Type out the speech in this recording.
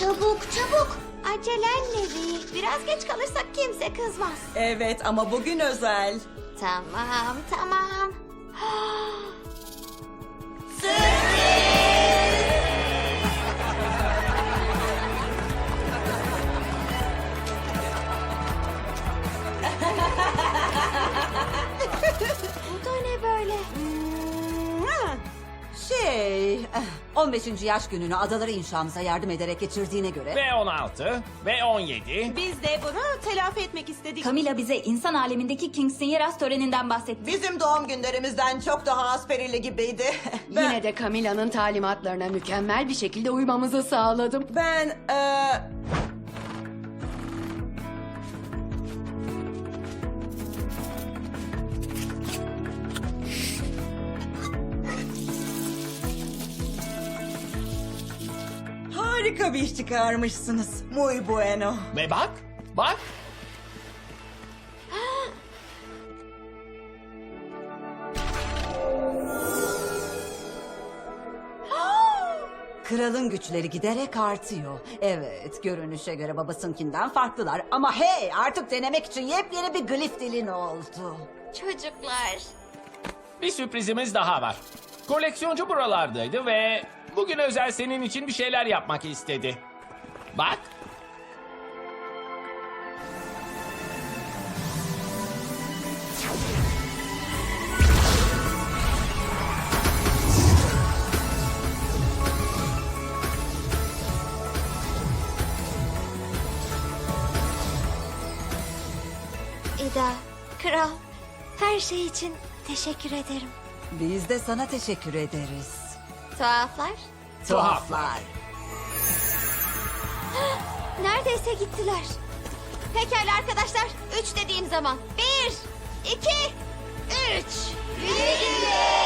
Çabuk çabuk. Acelenle Ri. Biraz geç kalırsak kimse kızmaz. Evet ama bugün özel. Tamam tamam. Bu da ne böyle? 15. yaş gününü adaları inşamıza yardım ederek geçirdiğine göre... Ve 16 ve 17. Biz de bunu telafi etmek istedik. Camila bize insan alemindeki King Siniras töreninden bahsetti. Bizim doğum günlerimizden çok daha asperili gibiydi. Yine de Camila'nın talimatlarına mükemmel bir şekilde uymamızı sağladım. Ben harika bir iş çıkarmışsınız. Muy bueno. Ve bak, bak. Kralın güçleri giderek artıyor. Evet, görünüşe göre babasınkinden farklılar. Ama hey, artık denemek için yepyeni bir glif dilin oldu. Çocuklar. Bir sürprizimiz daha var. Koleksiyoncu buralardaydı ve bugün özel senin için bir şeyler yapmak istedi. Bak. İda, kral, her şey için teşekkür ederim. Biz de sana teşekkür ederiz. Tuhaflar, Tuhaflar. neredeyse gittiler. Pekala arkadaşlar, 3 dediğim zaman. 1, 2, 3. Güle güle.